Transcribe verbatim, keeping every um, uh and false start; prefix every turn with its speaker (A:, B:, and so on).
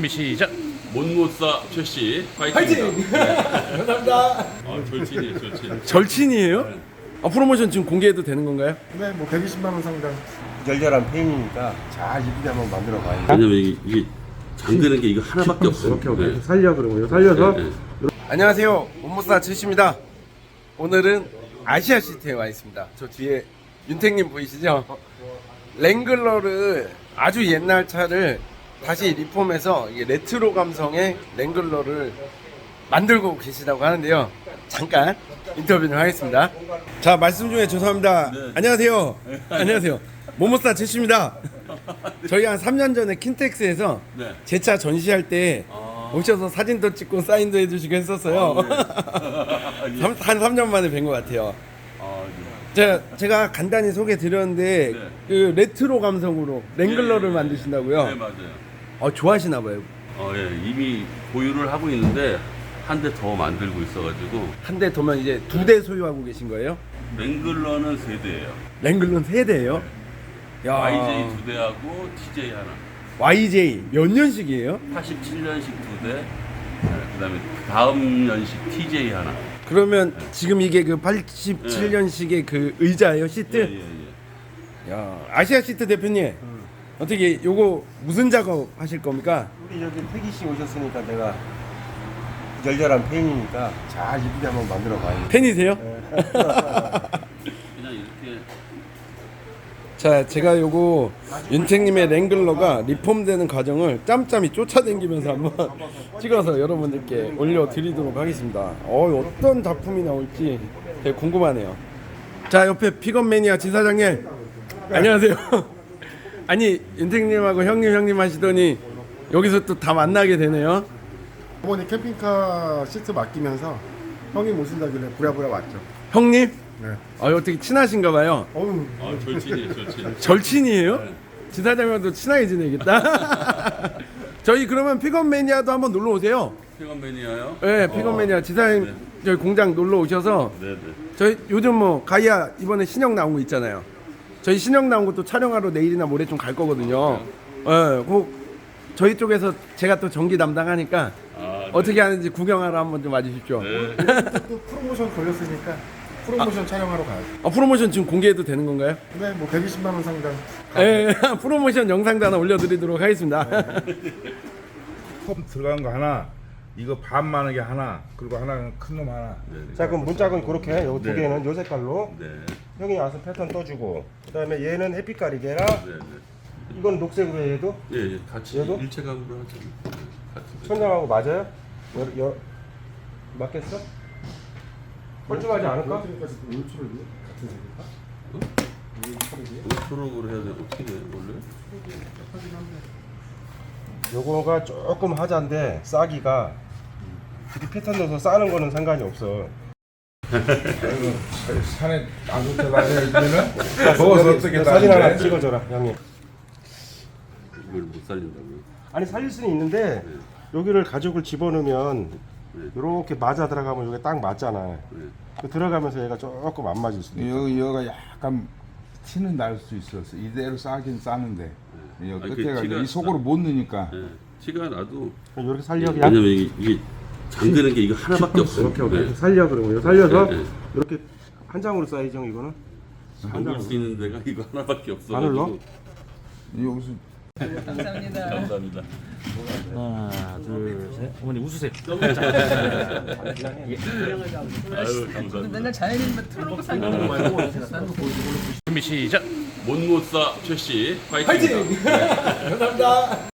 A: 준비 시작.
B: 못못사 최씨 파이팅.
C: 파이팅! 감사합니다.
B: 아, 절친이에요, 절친.
A: 절친이에요? 아, 프로모션 지금 공개해도 되는 건가요?
C: 네, 뭐 백이십만 원 상당. 열렬한 팬이니까 잘 이쁘게 한번 만들어 봐요.
B: 왜냐면 이게, 이게 잠그는 게 이거 하나밖에 없어요.
C: 오케이, 오케이.
B: 네.
C: 살려 그러면 살려서.
B: 네, 네.
A: 안녕하세요. 못못사 최씨입니다. 오늘은 아시아 시티에 와 있습니다. 저 뒤에 윤택님 보이시죠? 랭글러를 아주 옛날 차를 다시 리폼해서 이게 레트로 감성의 랭글러를 만들고 계시다고 하는데요. 잠깐 인터뷰를 하겠습니다. 자, 말씀 중에 죄송합니다.
B: 네.
A: 안녕하세요. 안녕하세요. 모모스타 최씨입니다. 저희 한 삼 년 전에 킨텍스에서
B: 네.
A: 제 차 전시할 때
B: 아.
A: 오셔서 사진도 찍고 사인도 해주시고 했었어요.
B: 아, 네.
A: 삼- 한 삼 년 만에 뵌 것 같아요.
B: 아, 네.
A: 제가, 제가 간단히 소개 드렸는데
B: 네.
A: 그 레트로 감성으로 랭글러를
B: 예, 예.
A: 만드신다고요?
B: 네, 맞아요.
A: 어, 좋아하시나 봐요.
B: 어, 예, 이미 보유를 하고 있는데 한 대 더 만들고 있어가지고
A: 한 대 도면 이제 두 대 소유하고 계신 거예요?
B: 랭글러는 세 대예요.
A: 랭글러는 세 대예요? 야,
B: 와이제이 두 대하고 티제이 하나.
A: 와이제이 몇 년식이에요?
B: 팔십칠 년식 두 대. 네, 그다음에 다음 년식 티제이 하나.
A: 그러면 지금 이게 그 팔십칠 년식의 그 의자예요, 시트?
B: 예, 예, 예.
A: 야, 아시아 시트 대표님 어떻게 요거 무슨 작업 하실 겁니까?
C: 우리 여기 태기 씨 오셨으니까 내가 열렬한 팬이니까 잘 이쁘게 한번 만들어 봐요.
A: 팬이세요?
B: 그냥 이렇게
A: 자, 제가 요거 윤택님의 랭글러가 리폼되는 과정을 짬짬이 쫓아다니면서 한번 찍어서 여러분들께 올려드리도록 하겠습니다. 어, 어떤 작품이 나올지 되게 궁금하네요. 자, 옆에 픽업 매니아 지사장님 안녕하세요. 아니, 윤택님하고 형님 형님 하시더니 여기서 또 다 만나게 되네요.
C: 어머니 캠핑카 시트 맡기면서 형님 오신다길래 부랴부랴 왔죠.
A: 형님?
C: 네.
A: 아, 어떻게 친하신가 봐요.
C: 어우,
B: 아, 절친이에요, 절친.
A: 절친이에요?
B: 네.
A: 지사장님도 친하게 지내겠다. 저희 그러면 픽업 매니아도 한번 놀러 오세요.
B: 픽업 매니아요?
A: 네, 픽업 매니아 지사님
B: 네.
A: 저희 공장 놀러 오셔서
B: 네, 네.
A: 저희 요즘 뭐 가이아 이번에 신형 나온 거 있잖아요. 저희 신형 나온 것도 촬영하러 내일이나 모레 좀 갈 거거든요. 예, 네, 그 저희 쪽에서 제가 또 전기 담당하니까
B: 아, 네.
A: 어떻게 하는지 구경하러 한번 좀 와주십시오.
B: 네.
C: 또 프로모션 걸렸으니까 프로모션 촬영하러 가야죠.
A: 아, 프로모션 지금 공개해도 되는 건가요?
C: 네, 뭐 백이십만 원 상당.
A: 예, 프로모션 영상도 하나 올려드리도록 하겠습니다.
D: 컵 들어간 거 하나, 이거 반 많은 게 하나, 그리고 하나는 큰 놈 하나.
C: 자, 그럼 문짝은 그렇게 요 두
B: 네.
C: 개는 요 색깔로
B: 네.
C: 형이 와서 패턴 떠주고 그다음에 얘는 햇빛 가리개라
B: 네, 네.
C: 이건 녹색으로 해 얘도
B: 예, 예, 같이
C: 얘도?
B: 일체감으로 하죠. 네, 같이.
C: 천장하고 맞아요? 여, 여, 맞겠어? 뻘쭘하지 않을까?
B: 초록으로 해야 돼. 어떻게 돼, 원래?
C: 요거가 조금 하자인데 싸기가 이렇게 패턴 넣어서 싸는 거는 상관이 없어.
D: 아이고, 산에 안 쫓아다니면은 먹어서 어떻게
C: 사진 하나
D: 다니는데?
C: 찍어줘라 형님.
B: 이걸 못 살린다고요?
C: 아니 살릴 수는 있는데 여기를 가죽을 집어넣으면
B: 네.
C: 이렇게 맞아 들어가면 여기 딱 맞잖아.
B: 네.
C: 그 들어가면서 얘가 조금 안 맞을 수도 있어.
D: 여기 여가 약간 티는 날 수 있었어. 이대로 싸긴 싸는데 여기
B: 아니,
D: 끝에가
B: 그
D: 이제
B: 티가
D: 이 속으로 못 넣으니까.
B: 네. 티가 나도.
C: 이렇게 살려 그냥.
B: 왜냐면 이게, 이게 잠그는 게 이거 하나밖에 없어요.
C: 오케이 오케이.
B: 네.
C: 살려 그러면 살려서
B: 네, 네.
C: 이렇게 한 장으로 쌓이죠 이거는.
B: 잠글 수 있는 데가 이거 하나밖에 없어.
C: 안 흘러?
D: 여기서
B: 감사합니다. 감사합니다.
E: 하나, 둘, 셋. 어머니 웃으세요.
B: 아유, 감사합니다.
F: 맨날 자연인만 틀어놓고 사는 거
A: 준비 시작.
B: 못못사 최씨 파이팅.
C: 파이팅! 감사합니다.